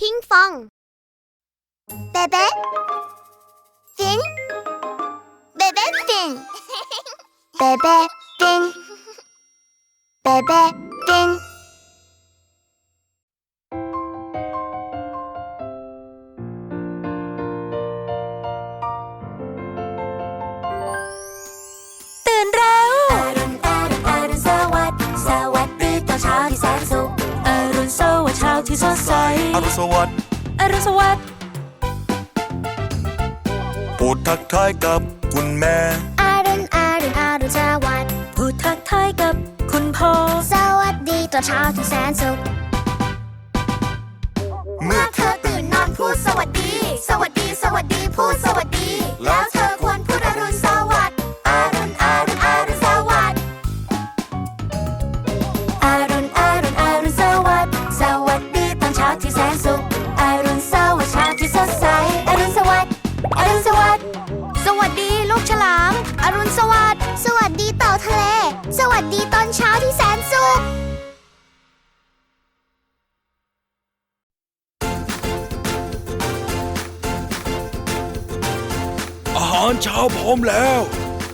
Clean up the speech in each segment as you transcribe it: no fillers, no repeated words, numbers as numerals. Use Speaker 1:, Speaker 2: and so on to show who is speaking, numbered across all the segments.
Speaker 1: พิงฟองเบเบ้ฟินเบเบ้ฟินเบเบ้ฟินเบเบ้ฟิน
Speaker 2: ตื่นเร็วอรุณสวัสดิ์สวัสดีตอนเช้าที่แสนสุขอรุณสวัสดิ์เช้าที่สดใส
Speaker 3: อรุณสวัสดิ์
Speaker 2: อรุณสวัสดิ์
Speaker 3: พูดทักทายกับคุณแม่
Speaker 1: อรุณสวัสดิ์
Speaker 2: พูดทักทายกับคุณพ่อ
Speaker 1: สวัสดีตอนเช้าที่แสนสุขเมื่อเธอตื่นนอนพูดสวัสดีสวัสดีสวัสดีพูดสวัสดีแล้วเธอควรพูดอรุณสวัสดิ์อรุณสวัสดิ์
Speaker 2: อรุณสวัสดิ์สวัสดีตอนเช้าที่แสนสุขอรุณสวัสดิ์เช้าที่สดใส
Speaker 1: อรุณสวัสดิ์สวัสดีลูกฉลามอรุณสวัสดิ์สวัสดีเต่าทะเลสวัสดีตอนเช้าที่แสนสุข
Speaker 3: อาหารเช้าพร้อมแล้ว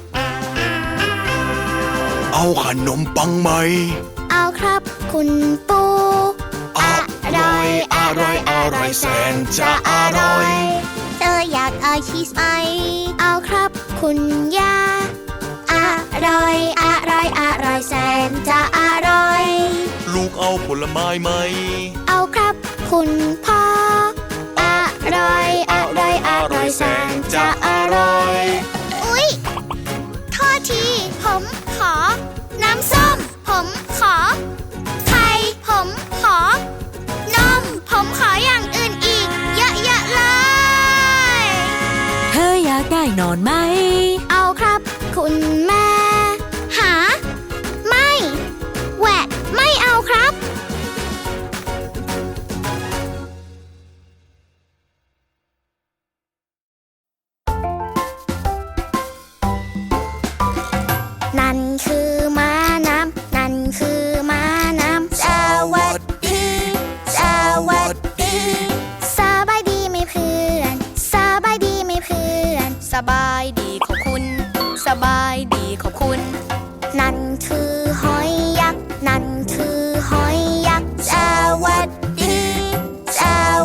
Speaker 3: เอาขนมปังไหม
Speaker 1: เอาครับคุณปู
Speaker 3: อร่อยแสนจะอร่อย
Speaker 1: เธออยากเอาชีสไหมเอาครับคุณย่าอร่อยแสนจะอร่อย
Speaker 3: ลูกเอาผลไม้ไหม
Speaker 1: เอาครับคุณพ่ออร่อยแสนจะอร่อยอุ๊ยโทษทีผมขอน้ำส้มผมขอไข่ผมขอนมผมขออย่างอื่นอีกเยอะๆเลย
Speaker 2: เธออยากได้นอนไหม
Speaker 1: เอาครับคุณแม่หาไม่แหวะไม่เอาครับนั่นคือม้าน้ำนั่นคือม้าน้ำสวัสดีสบายดีไหมเพื่อนสบายดีไหมเพื่อน
Speaker 2: สบายดีขอบคุณสบายดีขอบคุณ
Speaker 1: นั่นคือหอยยักษ์นั่นคือหอยยักษ์สวัสดีส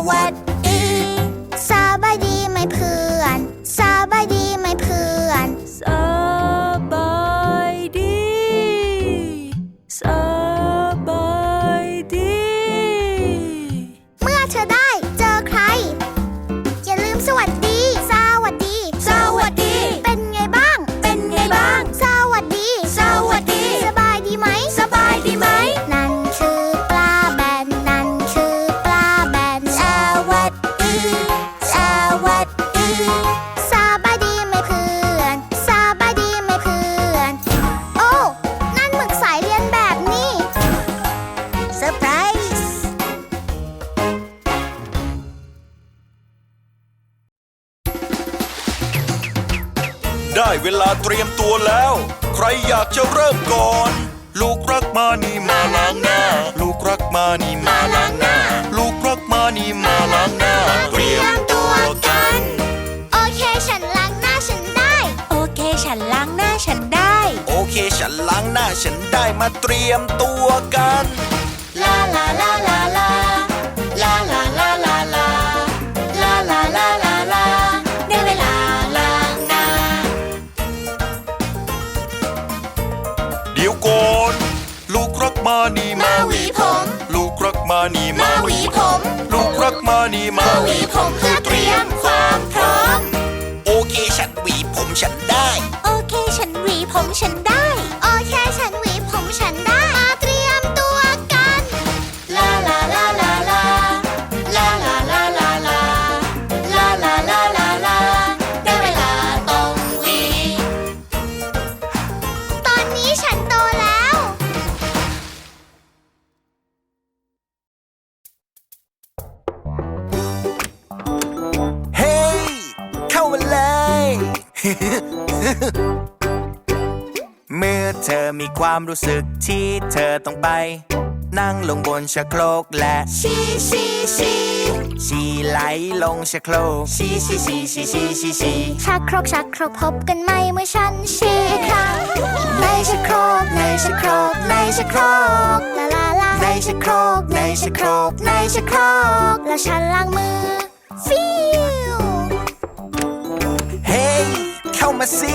Speaker 1: บายดีไหมเพื่อนสบายดีไหมเพื่อน
Speaker 2: สบายดีสบายดี
Speaker 1: เมื่อเธอได้เจอใครอย่าลืมสวัสดีเป็นไงบ้างสวัสดีสบายดีไหมนั่นคือปลาแบนสวัสดีสบายดีไหมเพื่อนโอ้นั่นหมึกสายเรียนแบบนี่เซอร์ไพรส์
Speaker 3: ได้เวลาเตรียมตัวแล้วใครอยากจะเริ่มก่อนลูกรักมานี่มาล้างหน้าลูกรักมานี่มาล้างหน้าลูกรักมานี่มาล้างหน้าเตรียมตัวกัน
Speaker 1: โอเคฉันล้างหน้าฉันได้
Speaker 2: โอเคฉันล้างหน้าฉันได้
Speaker 3: โอเคฉันล้างหน้าฉันได้มาเตรียมตัวกัน
Speaker 1: ลาลาลาลาลาลาลาลาลาลาลาลาลาลาลาได้เวลาล้างหน้า
Speaker 3: เดี๋ยวก่อนลูกรักมานี่
Speaker 1: มาหวีผม
Speaker 3: ลูกรักมานี่
Speaker 1: มาหวีผม
Speaker 3: ลูกรักมานี่มา
Speaker 1: หวีผมเพื่อเตรียมความพร้อม
Speaker 3: โอเคฉันหวีผมฉันได้
Speaker 2: โอเคฉันหวีผมฉันได้
Speaker 1: โอเคฉันหวีผมฉันได้มาเตรียมตัวกันลาลาลาลาลาลาลาลาลาลาลาลาลาลาลาได้เวลาต้องหวีตอนนี้ฉันโตแล้ว
Speaker 3: เฮ้เข้ามาเลย เมื่อเธอมีความรู้สึกที่เธอต้องไปนั่งลงบนชักโครกและ
Speaker 1: ชี
Speaker 4: ชีไหลลงชักโครกชี
Speaker 1: ชักโครกชักโครกพบกันไหมเมื่อฉันฉี่อีกครั้งในชักโครกในชักโครกในชักโครกลาลาลาในชักโครกในชักโครกในชักโครกแล้วฉันล้างมือฟิว
Speaker 4: เฮ้ยเข้ามาสิ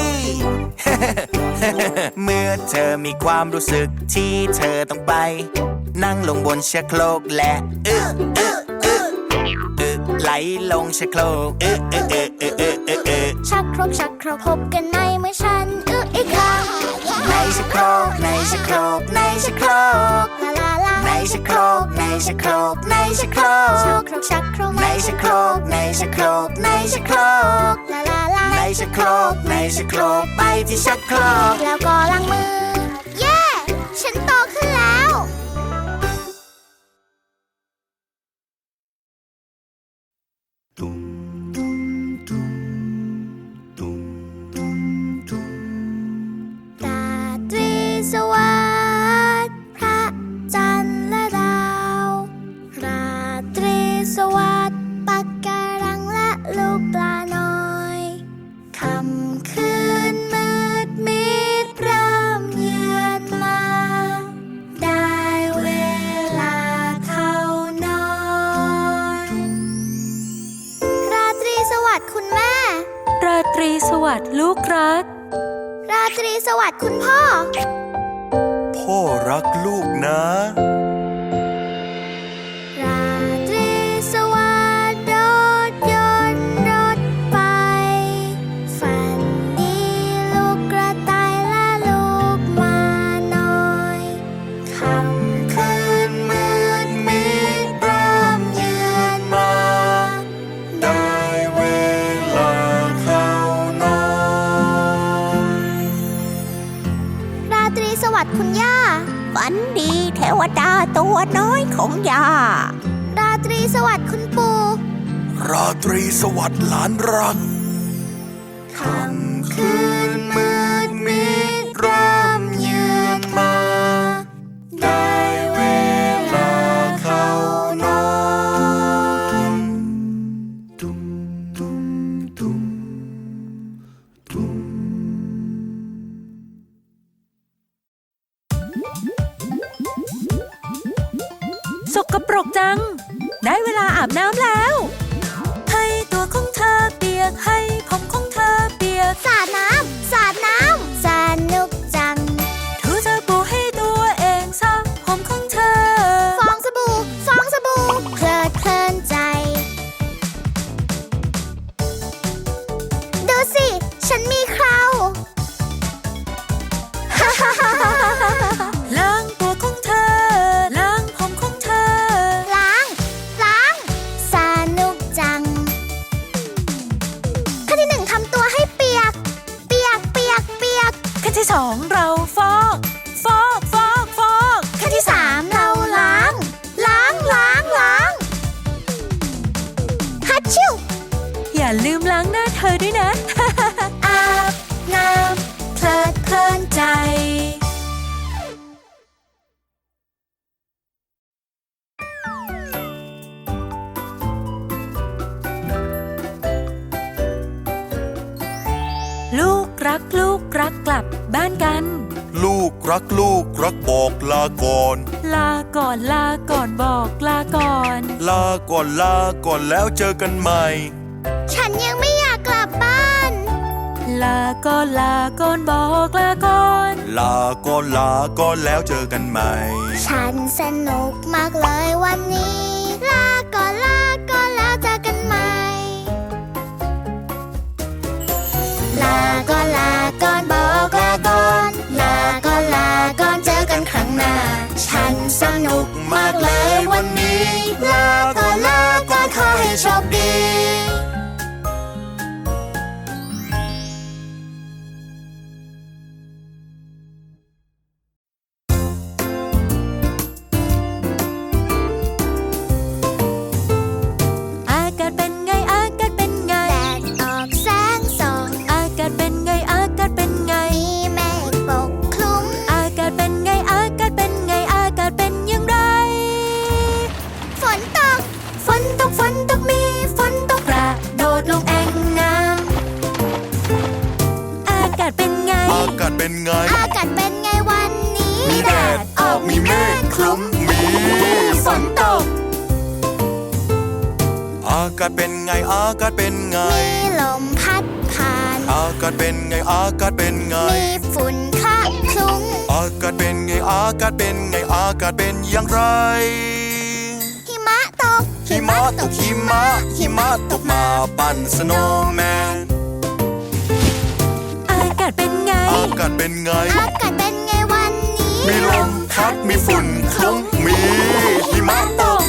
Speaker 4: เมื่อเธอมีความรู้สึกที่เธอต้องไปนั่งลงบนชักโครกและไหลลงชักโครก
Speaker 1: ชักโครกชักโครกพบกันไหมเมื่อฉันอีกครั้ง
Speaker 4: ในชักโครกในชักโครกในชักโครก
Speaker 1: ลาลาลา
Speaker 4: ในชักโครกในชักโครกในชักโครก
Speaker 1: ชักโครก
Speaker 4: ในชักโครกในชักโครกในชักโครก
Speaker 1: ลาลาลา
Speaker 4: ในชักโครกในชักโครกไปที่ชักโครก
Speaker 1: แล้วก็ล้างมือเย้ฉันโตขึ้นแล้วราตรีสวัสดิ์พระจันทร์และดาวราตรีสวัสดิ์ปักการังและลูกปลาน้อยค่ำคืนมืดมิดเริ่มเยือนมาได้เวลาเข้านอนราตรีสวัสดิ์คุณแม่
Speaker 2: ราตรีสวัสดิ์ลูกรัก
Speaker 1: ราตรีสวัสดิ์คุณพ่อ
Speaker 3: พ่อรักลูกนะ
Speaker 1: ราตรีสวัสดิ์รถยนต์รถไฟฝันดีลูกกระต่ายและลูกม้าน้อยค่ำคืนมืดมิดเริ่มเยือนมา
Speaker 3: ได้เวลาเข้านอน
Speaker 1: ราตรีสวัสดิ์คุณย่า
Speaker 2: ฝันดีเทวดาตัวน้อยของย่า
Speaker 1: ราตรีสวัสดิ์คุณปู่
Speaker 3: ราตรีสวัสดิ์หลานรัก
Speaker 1: ค่ำคืนมืดมิดเริ่มเยือนมาได้เวลาเข้านอน
Speaker 2: สกปรกจังได้เวลาอาบน้ำแล้วให้ตัวของเธอเปียกให้ผมของเธอเปียก
Speaker 1: สาดน้ำสาดน้ำสนุกจัง
Speaker 2: ถูสบู่ให้ตัวเองซะผมของเธอ
Speaker 1: ฟองสบู่ฟองสบู่เพลิดเพลินใจดูสิฉันมีเครา
Speaker 2: ล้างตัวของเธอล้างผมของเธอ
Speaker 1: ล้างสนุกจังขั้นที่หนึ่งทำตัวให้เปียก
Speaker 2: ขั้นที่สองเราฟอก
Speaker 1: ขั้นที่สามเราล้างฮัทชิว
Speaker 2: อย่าลืมล้างหน้าเธอด้วยนะ
Speaker 1: อาบน้ำเพลิดเพลินใจ
Speaker 2: ลูกรักกลับบ้านกัน
Speaker 3: ลูกรักบอกลาก่อน
Speaker 2: ลาก่อนบอกลาก่อน
Speaker 3: ลาก่อนแล้วเจอกันใหม่
Speaker 1: ฉันยังไม่อยากกลับบ้าน
Speaker 2: ลาก่อนบอกลาก่อน
Speaker 3: ลาก่อนแล้วเจอกันใหม่
Speaker 1: ฉันสนุกมากเลยวันนี้ลาก่อนแล้วเจอกันใหม่ลาก่อนบอกลาก่อนลาก่อนเจอกันครั้งหน้าฉันสนุกมากเลยวันนี้ลาก่อนขอให้โชคดี
Speaker 2: ล
Speaker 3: ไง
Speaker 1: อากาศเป็นไงวันนี้
Speaker 3: มีแดดออกมีเมฆคลุมมีฝนตก อากาศเป็นไงอากาศเป็นไง
Speaker 1: มีลมพัดผ่าน
Speaker 3: อากาศเป็นไงอากาศเป็นไง
Speaker 1: มีฝุ่นคะคลุ้ง
Speaker 3: อากาศเป็นไงอากาศเป็นไงอากาศเป็นอย่างไร
Speaker 1: หิมะตก
Speaker 3: หิมะตกหิมะหิมะตกมาปั่นสโนว์แมน
Speaker 2: อากาศเป็นไง
Speaker 3: อากาศเป็นไง
Speaker 1: อากาศเป็นไงวันนี้
Speaker 3: มีลมพัดมีฝุ่นคลุ้งมีหิมะตก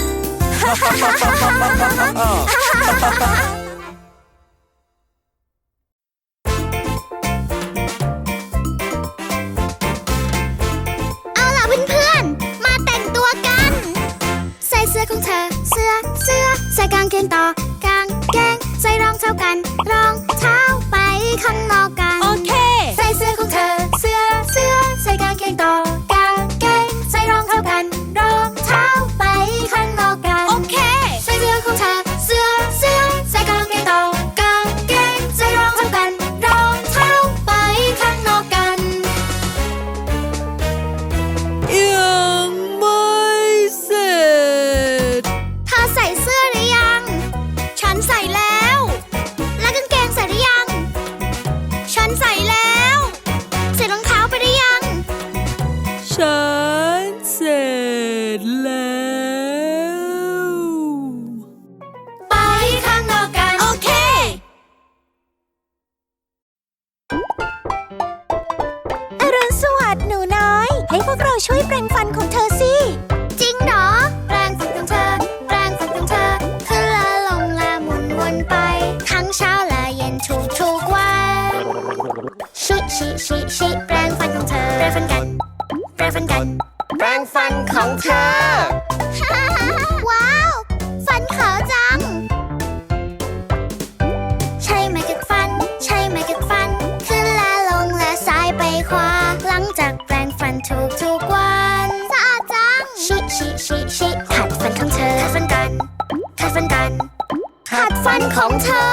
Speaker 1: เอาล่ะเพื่อนๆ มาแต่งตัวกัน ใส่เสื้อของเธอ เสื้อ ใส่กางเกงต่อกางเกง ใส่รองเท้ากัน รองเท้าไปข้างนอกกัน
Speaker 2: โอเค
Speaker 1: ใส่เสื้อของเธอ เสื้อ ใส่กางเกงต่อกางเกง ใส่รองเท้ากัน รองเท้าไปข้างนอกกัน
Speaker 2: โอเค
Speaker 1: ใส่เสื้อของเธอ เสื้อ ใส่กางเกงต่อกางเกง ใส่รองเท้ากัน รองเท้าไปข้างนอกกัน
Speaker 2: ยังไม่เสร็จ
Speaker 1: เธอใส่เสื้อหรือยัง ฉันใส่แล้ว แล้วกางเกงใส่หรือยัง ฉันใส่แล้วใส่รองเท้าไปหรือยัง
Speaker 2: ฉันเสร็จแล้ว
Speaker 1: ไปข้างนอกกัน
Speaker 2: โอเค
Speaker 1: อรุณสวัสดิ์หนูน้อย ให้พวกเราช่วยแปรงฟันของเธอสิ จริงเหรอ แปรงฟันของเธอ แปรงฟันของเธอขึ้นและลงและหมุนวนไป ทั้งเช้าและเย็นทุกวันชิแปรงฟันของเธอ แปรงฟันกัน แปรงฟันกัน แปรงฟันของเธอ ว้าว ฟันขาวจัง ใช่ไหมกัดฟัน ใช่ไหมกัดฟัน ขึ้นและลงและซ้ายไปขวา หลังจากแปรงฟันทุกวันสะอาดจัง ชิขัดฟันของเธอ ขัดฟันกัน ขัดฟันกัน ขัดฟันของเธอ